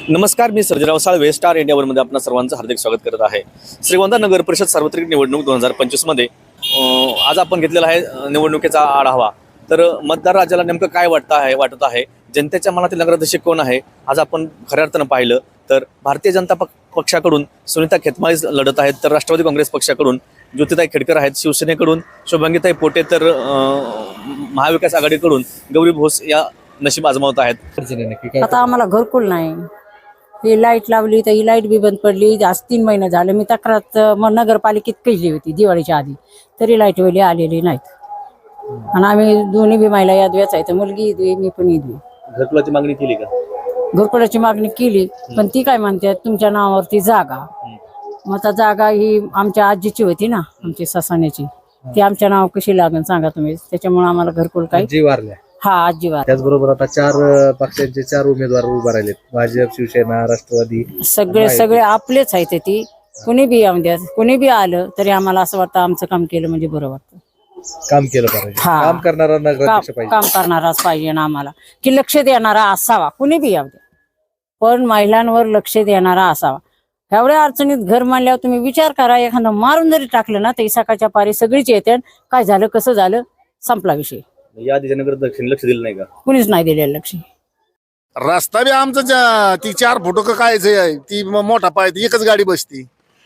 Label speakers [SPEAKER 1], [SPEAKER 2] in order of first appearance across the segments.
[SPEAKER 1] नमस्कार, मी Sarjerao Salve Star India मध्ये आपल्या सर्वांचं हार्दिक स्वागत करत आहे। श्रीगोंदा नगर परिषद सार्वत्रिक निवडणूक 2025 मध्ये आज आपण घेतलेला आहे निवडणुकीचा आढावा। तर मतदार राजाला नेमकं काय वाटत आहे, जनतेच्या मनातील नगराध्यक्ष कोण आहे, आज आपण खऱ्या अर्थानं पाहिलं तर भारतीय जनता पक्षाकडून सुनीता खेतमाळी लढत आहेत, तर राष्ट्रवादी काँग्रेस पक्षाकडून ज्योतिताई खेडकर आहेत, शिवसेनेकडून शुभांगीताई पोटे, तर महाविकास आघाडीकडून गौरी भोस या नशीब आजमावत आहेत।
[SPEAKER 2] आता आम्हाला घरकुल नाही, ही लाईट लावली तर ही लाईट बी बंद पडली। आज 3 महिने झाले मी तक्रार नगरपालिकेत केली होती दिवाळीच्या आधी, तरी लाईट वेळी आलेली नाहीत। आणि आम्ही दोन्ही बी महिला यात वेचायचं, मुलगी इदवी मी पण इदवी।
[SPEAKER 1] घरकुलाची मागणी केली का?
[SPEAKER 2] घरकुलाची मागणी केली, पण ती काय म्हणते तुमच्या नावावरती जागा। मग आता जागा ही आमच्या आजीची होती ना, आमची ससाण्याची, ती आमच्या नाव कशी लागेल सांगा तुम्ही। त्याच्यामुळे आम्हाला घरकुल काय
[SPEAKER 3] जी वारल्या
[SPEAKER 2] हा आजी वार।
[SPEAKER 3] त्याचबरोबर आता 4 पक्षांचे 4 उमेदवार उभे राहिलेत, भाजप, शिवसेना, राष्ट्रवादी,
[SPEAKER 2] सगळे आपलेच आहेत। ती कोणी बी येऊन द्या, कोणी बी आलं तरी आम्हाला असं वाटतं आमचं काम केलं म्हणजे बरं वाटतं।
[SPEAKER 3] काम केलं पाहिजे, काम करणारा नगराध्यक्ष पाहिजे,
[SPEAKER 2] काम करणाराच पाहिजे ना आम्हाला, की लक्ष देणारा असावा, कुणी बी येऊ द्या पण महिलांवर लक्ष देणारा असावा। एवढ्या अडचणीत घर मांडल्यावर तुम्ही विचार करा, एखादं मारून जरी टाकलं ना तरी सकाळच्या पारी सगळीच येते, काय झालं कसं झालं संपला विषय।
[SPEAKER 1] या आधी नगराध्यक्षांनी लक्ष दिलं नाही का?
[SPEAKER 2] कुणीच नाही दिलेलं लक्ष।
[SPEAKER 4] रस्ता बी आमचं ती 4 फुट कायच आहे, ती मोठा पाय, ती एकच गाडी बसती।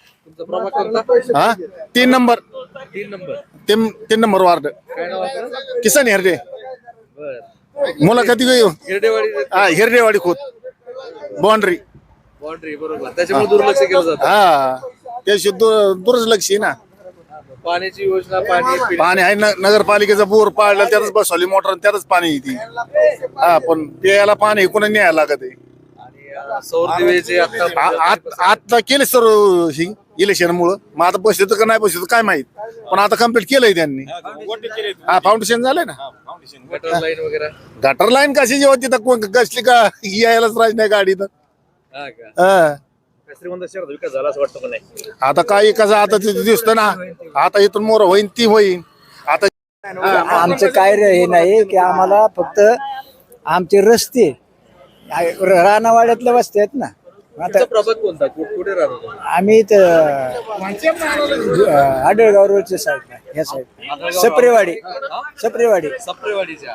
[SPEAKER 4] हा 3 number 3 number ward Kisan Herde मुलाखती हिरडेवाडी खोत बाउंड्री
[SPEAKER 3] बरोबर, त्याच्यामुळे दुर्लक्ष केलं जातं।
[SPEAKER 4] हा त्याशी दुर्लक्ष आहे ना।
[SPEAKER 3] पाण्याची योजना,
[SPEAKER 4] पाणी आहे, नगरपालिकेचा बोर पाडला त्यातच बसवली मोटर, त्यातच पाणी येते। हा पण प्यायला पाणी कोणा न्यायला लागत आहे।
[SPEAKER 3] सौर दिवेचे
[SPEAKER 4] आता केले सर्व ही इलेक्शन मुळे, मग आता बसले तर नाही बसले तर काय माहित, पण आता कम्प्लीट केलंय त्यांनी। हा फाउंडेशन झालंय ना,
[SPEAKER 3] गटर लाईन वगैरे।
[SPEAKER 4] गटर लाईन कशी होती तर कसली का यायलाच राज नाही गाडी तर।
[SPEAKER 1] श्रीगोंदा शहरात विकास झाला असं वाटतं का नाही?
[SPEAKER 4] आता काय कसं आता ते दिसतं ना, आता इथून मोर होईन ती होईन। आता
[SPEAKER 5] आमचं काय हे नाही की आम्हाला फक्त आमचे रस्ते रानावाड्यातले वस्ते आहेत ना। आता
[SPEAKER 3] प्रभाग कोणता, कुठे राहतो?
[SPEAKER 5] आम्ही आडळगाव रोडच्या साईडला, ह्या साईड सप्रेवाडी
[SPEAKER 3] सप्रेवाडीच्या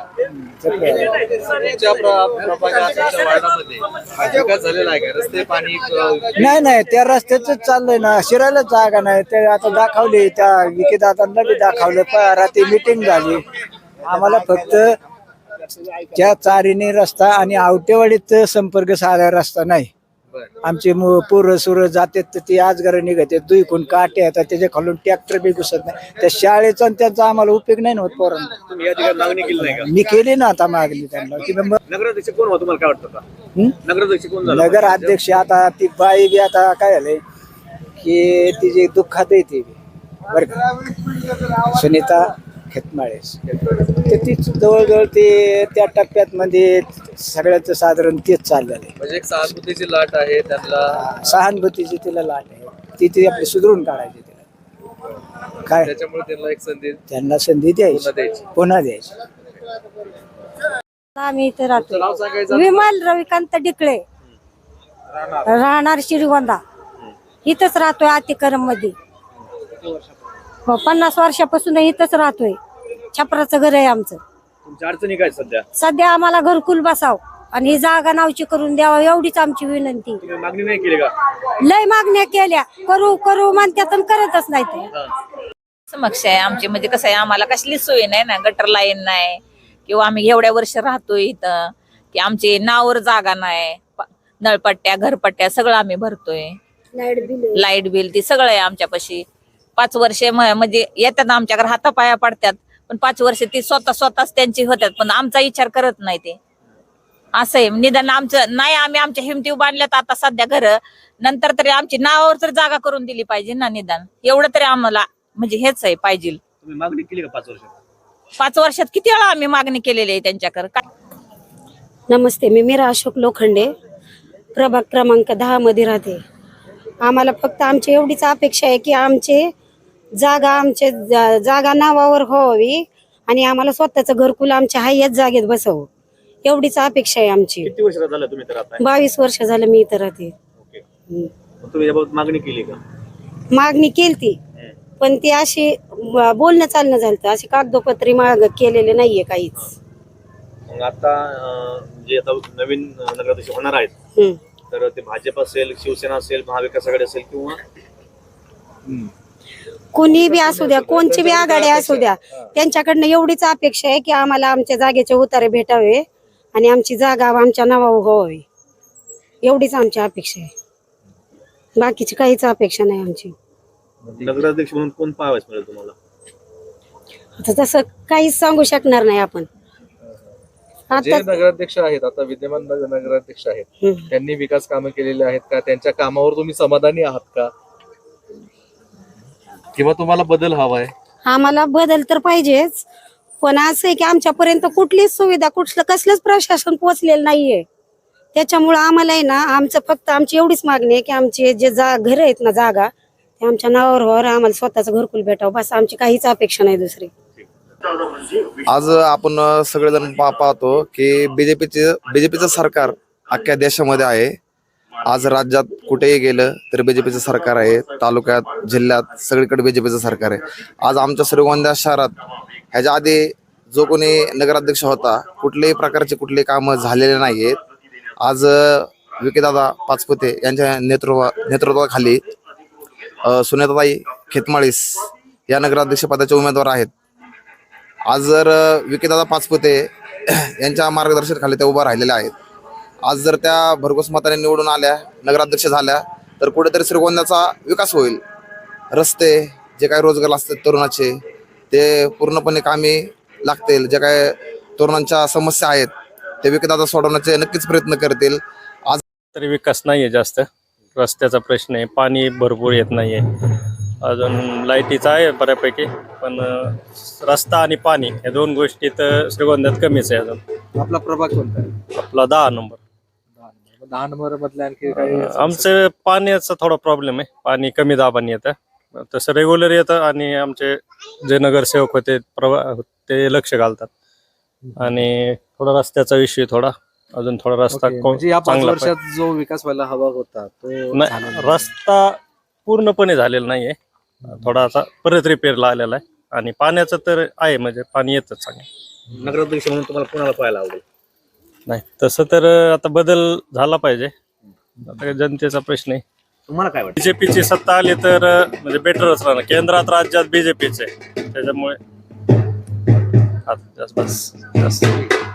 [SPEAKER 3] विकास झालेला आहे का? रस्ते, पाणी?
[SPEAKER 5] नाही त्या रस्त्याच चाललंय ना, शिरायला जागा नाही। ते आता दाखवली, त्या विकेदादांना बी दाखवलं, रात्री मिटिंग झाली। आम्हाला फक्त त्या चारीने रस्ता आणि आवटेवाडीत संपर्क साधा रस्ता नाही। आमचे पोरं सुरं जातात तर ती आजगार निघते, दुईकून काटे येतात, त्याच्या खालून ट्रॅक्टर बी घुसत नाही। त्या शाळेचा त्यांचा आम्हाला उपयोग नाही होत पोरांना।
[SPEAKER 1] तुम्ही या ठिकाणी मागणी केली नाही का?
[SPEAKER 5] मी केली ना आता मागणी त्यांना की
[SPEAKER 1] नगराध्यक्ष कोण होतं, तुम्हाला काय वाटतं का? नगराध्यक्ष कोण झालं?
[SPEAKER 5] नगर अध्यक्ष आता ती बाई बी आता काय झालंय की तिची दुःखात येते बर का, सुनीता खेतमाळे, ते तीच जवळजवळ ते त्या टप्प्यात मध्ये सगळ्याचं साधारण तेच चाललेलं आहे।
[SPEAKER 3] म्हणजे एक सहानुभूतीची लाट आहे त्यांना,
[SPEAKER 5] सहानुभूतीची तिला लाट आहे, ती आपली सुधारून काढायची तिला काय,
[SPEAKER 3] त्याच्यामुळे त्यांना एक संधी,
[SPEAKER 5] त्यांना संधी द्यायची, पुन्हा द्यायची।
[SPEAKER 2] आम्ही इथे राहतो, विमल रविकांत डिकळे, राहणार श्रीगोंदा, इथंच राहतोय अतिक्रम मध्ये। 50 वर्षापासून इथंच राहतोय, छपराचं घर आहे आमचं।
[SPEAKER 1] तुमच्या अडचणी काय
[SPEAKER 2] सध्या आम्हाला घरकुल बसाव आणि ही जागा नावची करून द्यावा, एवढीच आमची विनंती।
[SPEAKER 1] तुम्ही मागणी नाही केली का?
[SPEAKER 2] लय मागण्या केल्या, करू म्हणतात करतच नाही ते।
[SPEAKER 6] समक्ष आहे आमची, म्हणजे कसं आहे, आम्हाला कसली सोय नाही ना, गटर लाईन नाही, किंवा आम्ही एवढ्या वर्ष राहतोय इथं की आमची नावावर जागा नाही, नळपट्ट्या घरपट्ट्या सगळं आम्ही भरतोय, लाईट बिल ती सगळं आहे आमच्यापाशी। 5 वर्षे म्हणजे येतात आमच्याकडे, हातापाया पडतात, पण 5 वर्ष ती स्वतःच त्यांची होतात, पण आमचा विचार करत नाही ते। असं आहे, निदान आमचं नाही, आम्ही आमच्या हिमतीव बांधल्यात आता सध्या घर, नंतर तरी आमची नावावर तर जागा करून दिली पाहिजे ना, निदान एवढं तरी आम्हाला म्हणजे हेच आहे पाहिजे।
[SPEAKER 1] तुम्ही मागणी केली का 5 वर्षात?
[SPEAKER 6] 5 वर्षात किती वेळा आम्ही मागणी केलेली आहे त्यांच्याकडे।
[SPEAKER 7] नमस्ते, मी मीरा अशोक लोखंडे, प्रभाग क्रमांक 10 मध्ये राहते। आम्हाला फक्त आमची एवढीच अपेक्षा आहे की आमचे जागा नावावर व्हावी आणि आम्हाला स्वतःचं घरकुल आमच्या हायच जागेत बसवं, एवढीच अपेक्षा आहे आमची.
[SPEAKER 1] किती वर्ष झालं तुम्ही तर आता
[SPEAKER 7] 22 वर्ष झालं मी इथं राहते.
[SPEAKER 1] ओके. तुम्ही याबाबत मागणी केली का?
[SPEAKER 7] मागणी केलती, पण ती अशी बोलणं चालणं झालं, अशी कागदोपत्री माग केलेले नाहीये काहीच.
[SPEAKER 1] मग आता जे आता नवीन नगराध्यक्ष होणार आहेत
[SPEAKER 7] हम्म.
[SPEAKER 1] तर ते भाजप असेल, शिवसेना असेल, महाविकास आघाडी असेल किंवा
[SPEAKER 7] कोणी बी असू द्या, कोणची बी आघाडी असू द्या, त्यांच्याकडनं एवढीच अपेक्षा आहे की आम्हाला आमच्या जागेचे उतारे भेटावे आणि आमची जागा आमच्या नावावर व्हावी. एवढीच आमची अपेक्षा आहे, बाकीची काहीच अपेक्षा नाही आमची.
[SPEAKER 1] नगराध्यक्ष म्हणून कोण पाहावयास मिळेल तुम्हाला?
[SPEAKER 7] आता तसं काहीच सांगू शकणार नाही आपण.
[SPEAKER 3] जे
[SPEAKER 7] आता
[SPEAKER 3] नगराध्यक्ष आहेत, आता विद्यमान नगराध्यक्ष आहेत,
[SPEAKER 7] हम्म.
[SPEAKER 3] त्यांनी विकास कामं केलेली आहेत का? त्यांच्या कामावर तुम्ही समाधानी आहात का? किंवा तुम्हाला बदल हवाय?
[SPEAKER 7] आम्हाला बदल तर पाहिजेच, पण असं आहे की आमच्यापर्यंत कुठलीच सुविधा कसलंच प्रशासन पोहोचलेलं नाहीये. त्याच्यामुळं आम्हाला आहे ना, आमचं फक्त आमची एवढीच मागणी आहे की आमचे जे घर आहेत ना, जागा ते आमच्या नावावर व्हावं, आम्हाला स्वतःचं घरकुल भेटावं, बस आमची काहीच अपेक्षा नाही दुसरी.
[SPEAKER 8] आज आपण सगळेजण पाहतो की बीजेपीचं सरकार अख्ख्या देशामध्ये आहे. आज राज्यात कुठेही गेलं तर बीजेपीचं सरकार आहे, तालुक्यात, जिल्ह्यात सगळीकडे बीजेपीचं सरकार आहे. आज आमच्या श्रीगोंदा शहरात ह्याच्या आधी जो कोणी नगराध्यक्ष होता, कुठल्याही प्रकारचे कुठलेही कामं झालेले नाही आहेत. आज विकीदादा पाचपुते यांच्या नेतृत्वाखाली सुनेताताई खेतमाळीस या नगराध्यक्ष पदाचे उमेदवार आहेत. आज जर विकीदादा पाचपुते यांच्या मार्गदर्शनाखाली त्या उभा राहिलेल्या आहेत. आज जर त्या भरघोस मताने निवडून आल्या, नगराध्यक्ष झाल्या, तर कुठेतरी श्रीगोंद्याचा विकास होईल. रस्ते, जे काही रोजगार असतात तरुणाचे, ते पूर्णपणे कामी लागतील. जे काय तरुणांच्या समस्या आहेत ते विकीदादा सोडवण्याचे नक्कीच प्रयत्न करतील. आज
[SPEAKER 9] तरी विकास नाहीये जास्त. रस्त्याचा प्रश्न आहे, पाणी भरपूर येत नाहीये, अजून लाईटीचा आहे बऱ्यापैकी, पण रस्ता आणि पाणी या दोन गोष्टी तर श्रीगोंद्यात कमीच आहे. अजून
[SPEAKER 3] आपला प्रभाग कोणता आहे?
[SPEAKER 9] आपला 10 नंबर.
[SPEAKER 3] 10 नंबर मधल्या आणखी काही
[SPEAKER 9] आमचं पाण्याचा थोडा प्रॉब्लेम आहे, पाणी कमी दाबाने येतं, तसं रेग्युलर येतं आणि आमचे जे नगरसेवक होते ते लक्ष घालतात. आणि थोडा रस्त्याचा विषय थोडा अजून थोडा रस्ता
[SPEAKER 3] म्हणजे या 5
[SPEAKER 9] चांगला
[SPEAKER 3] वर्षात जो विकास व्हायला हवा होता तो झाला
[SPEAKER 9] नाही,
[SPEAKER 3] नाही.
[SPEAKER 9] रस्ता पूर्णपणे झालेला नाहीये, थोडासा परत रिपेअरला आलेला आहे. आणि पाण्याचं तर आहे, म्हणजे पाणी येतं चांगलं.
[SPEAKER 1] नगराध्यक्ष म्हणून तुम्हाला कोणाला पाहायला आवडेल?
[SPEAKER 9] नाही तसं तर आता बदल झाला पाहिजे, आता जनतेचा प्रश्न आहे.
[SPEAKER 1] तुम्हाला काय वाटतं?
[SPEAKER 9] बीजेपीची सत्ता आली तर म्हणजे बेटरच राहणार. केंद्रात राज्यात बीजेपीचे, त्याच्यामुळे जास्त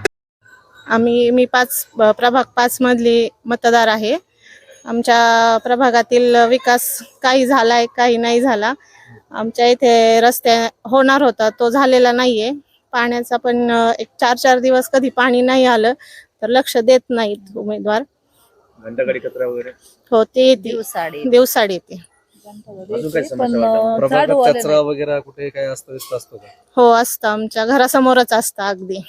[SPEAKER 10] मी प्रभाग 5 मधली मतदार आहे. आमच्या प्रभागातील विकास काही झालाय, काही नाही झाला. आमच्या इथे रस्ते होणार होता, तो झालेला नाहीये. पाण्याचा पण एक 4-4 दिवस कधी पाणी नाही आलं तर लक्ष देत नाहीत उमेदवार.
[SPEAKER 1] घंटागाडी कचरा वगैरे
[SPEAKER 10] हो, ते येते दिवसाड येते.
[SPEAKER 1] अजून काय समस्या वाटतं?
[SPEAKER 3] प्रभागात कचरा वगैरे कुठे काही अस्तव्यस्त असतो का?
[SPEAKER 10] हो, असतं. आमच्या घरासमोरच असतं अगदी.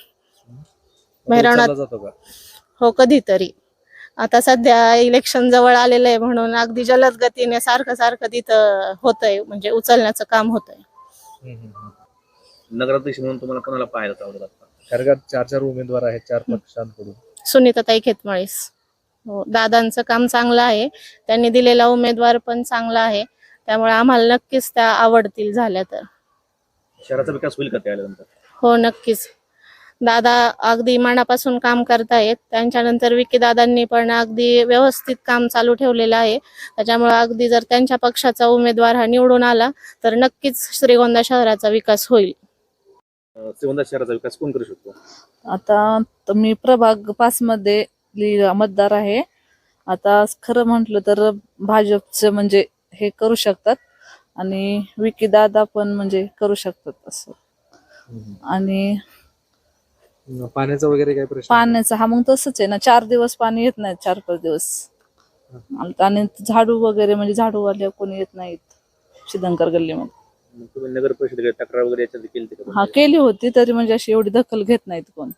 [SPEAKER 3] उचलला जातो का?
[SPEAKER 10] हो, कधीतरी. आता सध्या इलेक्शन जवळ आलेलं आहे म्हणून अगदी जलद गतीने सारखं तिथं होतंय, म्हणजे उचलण्याचं काम होतंय.
[SPEAKER 1] नगराध्यक्ष म्हणून तुम्हाला कोणाला पाहायला आवडेल?
[SPEAKER 3] कारण का 4 उमेदवार आहेत 4 पक्षांकडून.
[SPEAKER 10] सुनीताताई खेतमाळीस. हो, दादांचं काम चांगलं आहे, त्यांनी दिलेला उमेदवार पण चांगला आहे, त्यामुळे आम्हाला नक्कीच त्या आवडतील झाल्या तर.
[SPEAKER 1] शहराचा विकास होईल का त्यानंतर?
[SPEAKER 10] हो, नक्कीच. दादा अगदी मनापासून काम करतायत. त्यांच्यानंतर विकी दादांनी पण अगदी व्यवस्थित काम चालू ठेवलेलं आहे. त्याच्यामुळे अगदी जर त्यांच्या पक्षाचा उमेदवार हा निवडून आला तर नक्कीच श्रीगोंदा शहराचा विकास होईल.
[SPEAKER 1] श्रीगोंदा शहराचा विकास कोण करू शकतो?
[SPEAKER 11] आता मी प्रभाग 5 मध्ये मतदार आहे. आता खरं म्हटलं तर भाजपचं म्हणजे हे करू शकतात आणि विकी दादा पण म्हणजे करू शकतात असं. आणि
[SPEAKER 3] पाण्याचा वगैरे काही प्रश्न?
[SPEAKER 11] पाण्याचा हा मग तसंच आहे ना, 4 दिवस पाणी येत नाही, 4-5 दिवस. आणि झाडू वगैरे म्हणजे झाडूवाले कोणी येत नाहीत शिदंकर गल्लीमध्ये.
[SPEAKER 1] तुम्ही नगर परिषदेकडे तक्रार वगैरे याच्यात केली का?
[SPEAKER 11] हा, केली होती, तरी म्हणजे अशी एवढी दखल घेत नाहीत कोण.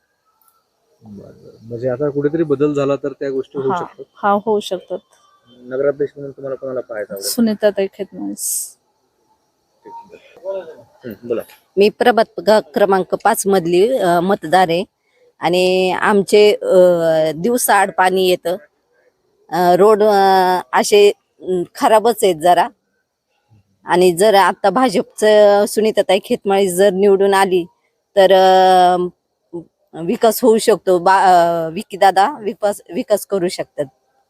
[SPEAKER 3] म्हणजे आता कुठेतरी बदल झाला तर त्या गोष्टी होऊ शकतात.
[SPEAKER 11] हा, होऊ शकतात.
[SPEAKER 1] नगराध्यक्ष म्हणून तुम्हाला कोणाला पाहायचं आवडेल?
[SPEAKER 11] सुनीताताई खेतमाळीस.
[SPEAKER 1] बोला.
[SPEAKER 12] मी प्रभाग क्रमांक 5 मधली मतदार आहे आणि आमचे दिवसाआड पाणी येतं. रोड असे खराबच आहेत जरा. आणि जर आता भाजपचं सुनीताताई खेतमाळी जर निवडून आली तर विकास होऊ शकतो. विकीदादा विकास करू शकतात.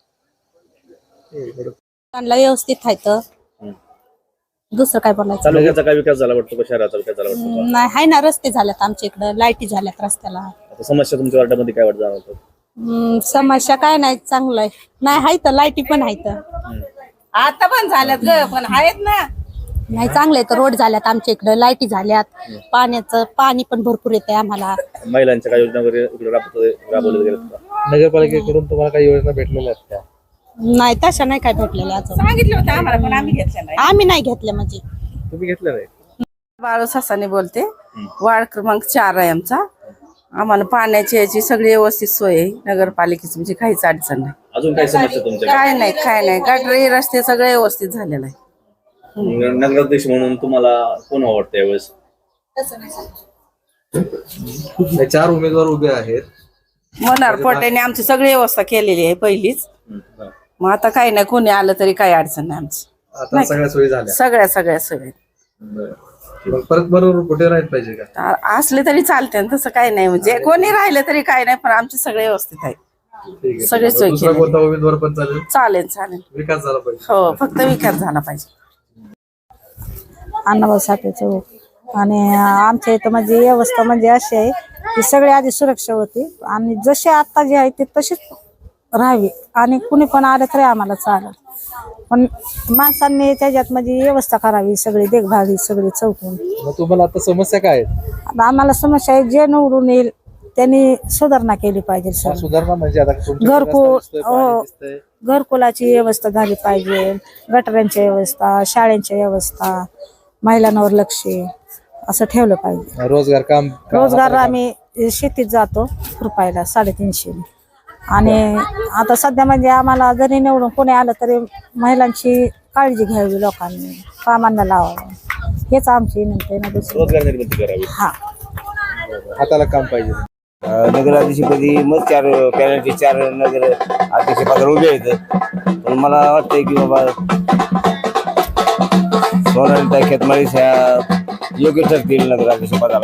[SPEAKER 7] व्यवस्थित आहे दुसरं काय बोलायचं.
[SPEAKER 1] तालुक्याचा काय विकास झाला वाटतो का शहराचा विकास झाला वाटतो का?
[SPEAKER 7] नाही आहे ना, रस्ते झालेत आमच्या इकडं, लाईटी झाल्यात रस्त्याला.
[SPEAKER 1] आता समस्या तुमच्या वार्डामध्ये काय वाटत जाणवतं?
[SPEAKER 7] समस्या काय नाही, चांगलं आहे. नाही आहे तर लाईटी पण आहेत.
[SPEAKER 2] आता पण झाल्यात ग, पण आहेत ना.
[SPEAKER 7] नाही चांगले तर रोड झाल्यात आमच्या इकडं, लाईटी झाल्यात, पाणी पण भरपूर येते आम्हाला.
[SPEAKER 1] महिलांच्या काय योजना वगैरे इकडे राबवल्या गेल्या का?
[SPEAKER 3] नगरपालिकेकडून तुम्हाला काही योजना भेटलेल्या आहेत का?
[SPEAKER 7] नाही तशा नाही काय भेटलेल्या अजून.
[SPEAKER 2] सांगितलं होतं आम्हाला पण आम्ही घेतल्या नाही.
[SPEAKER 7] आम्ही नाही घेतल्या म्हणजे.
[SPEAKER 3] तुम्ही घेतलं नाही?
[SPEAKER 2] बाळू सासाने बोलते. वार्ड क्रमांक 4 आहे आमचा. आम्हाला पाण्याची याची सगळी व्यवस्थित सोय आहे नगरपालिकेची, म्हणजे काहीच अडचण नाही.
[SPEAKER 1] अजून काय समस्या तुमच्या?
[SPEAKER 7] काय नाही गटरी रस्ते सगळे व्यवस्थित झालेलं आहे.
[SPEAKER 1] नगराध्यक्ष म्हणून तुम्हाला कोण आवडतं यावेळेस?
[SPEAKER 3] हे 4 उमेदवार उभे आहेत.
[SPEAKER 2] मनोहर पोटेने आमची सगळी व्यवस्था केलेली आहे पहिलीच. मग आता काही नाही, कोणी आलं तरी काही अडचण नाही आमची.
[SPEAKER 3] आता सगळ्या सोयी झाल्या.
[SPEAKER 2] सगळ्या सोयी आहेत.
[SPEAKER 3] मग परत बरोबर कुठे राहील पाहिजे का?
[SPEAKER 2] असले तरी चालते तसं काही नाही, म्हणजे कोणी राहिलं तरी काही नाही, पण आमची सगळे व्यवस्थित आहे.
[SPEAKER 3] ठीक आहे.
[SPEAKER 2] सगळे सोयी
[SPEAKER 3] दुसरा कोणता उमेदवार पण चालेल?
[SPEAKER 2] चालेल.
[SPEAKER 3] विकास झाला पाहिजे.
[SPEAKER 2] हो, फक्त विकास झाला पाहिजे.
[SPEAKER 7] अण्णाभाऊ साठे चौक. आणि आमच्या इथं म्हणजे व्यवस्था म्हणजे अशी आहे की सगळे आधी सुरक्षा होती आणि जसे आता जे आहे ते तशीच राहावी आणि कुणी पण आलं तरी आम्हाला चालेल, पण माणसांनी त्याच्यात म्हणजे व्यवस्था करावी, सगळी देखभाल सगळी चौकून.
[SPEAKER 3] मग तुम्हाला आता समस्या काय आहेत?
[SPEAKER 7] आता आम्हाला समस्या आहे, जे निवडून येईल त्यांनी सुधारणा केली पाहिजे. सर
[SPEAKER 3] सुधारणा म्हणजे आता
[SPEAKER 7] घरकुल, घरकुलाची व्यवस्था झाली पाहिजे, गटारांची व्यवस्था, शाळेंची व्यवस्था, महिलांवर लक्ष असं ठेवलं पाहिजे. रोजगार आम्ही शेतीत जातो रुपयाला 350. आणि आता सध्या म्हणजे आम्हाला जरी निवडून कोणी आलं तरी महिलांची काळजी घ्यावी, लोकांनी कामांना लावावं, हेच आमची विनंती आहे ना.
[SPEAKER 1] रोजगार निर्मिती करावी.
[SPEAKER 7] हा,
[SPEAKER 3] हाताला काम पाहिजे.
[SPEAKER 5] नगराध्यक्षपदी मग 4 पॅनलचे 4 नगर अध्यक्ष पदावर उभे आहेत. पण मला वाटतंय की बाबा सोनालीताई खेतमाळी ह्या योग्य ठरतील नगराध्यक्ष पदाला.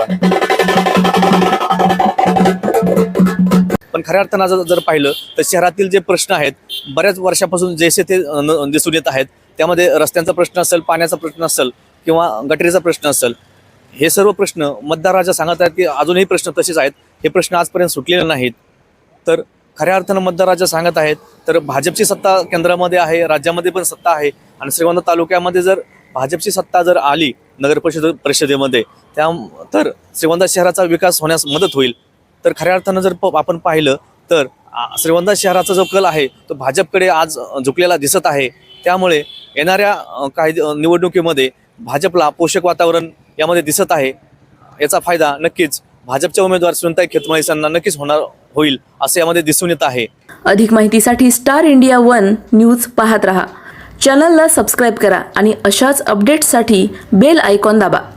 [SPEAKER 1] पण खऱ्या अर्थानं जर पाहिलं तर शहरातील जे प्रश्न आहेत बऱ्याच वर्षापासून जैसे ते दिसून येत आहेत, त्यामध्ये रस्त्यांचा प्रश्न असेल, पाण्याचा प्रश्न असेल किंवा गटरीचा प्रश्न असेल, हे सर्व प्रश्न मतदार राजा सांगत आहेत की अजूनही प्रश्न तसेच आहेत. हे प्रश्न आजपर्यंत सुटलेले नाहीत. तर खऱ्या अर्थानं मतदार राजा सांगत आहेत तर भाजपची सत्ता केंद्रामध्ये आहे, राज्यामध्ये पण सत्ता आहे आणि श्रीगोंदा तालुक्यामध्ये जर भाजपची सत्ता जर आली नगर परिषदेमध्ये तर श्रीगोंदा शहराचा विकास होण्यास मदत होईल. तर खऱ्या अर्थानं जर आपण पाहिलं तर श्रीगोंदा शहराचा जो कल आहे तो भाजपकडे आज झुकलेला दिसत आहे. त्यामुळे येणाऱ्या काही निवडणुकीमध्ये भाजपला पोषक वातावरण यामध्ये दिसत आहे. याचा फायदा नक्कीच भाजपच्या उमेदवार सुनीताई खेतमाळी यांना नक्कीच होईल असे यामध्ये दिसून येत आहे.
[SPEAKER 13] अधिक माहितीसाठी स्टार इंडिया 1 न्यूज पाहत रहा. चॅनलला सबस्क्राईब करा आणि अशाच अपडेट्ससाठी बेल आयकॉन दाबा.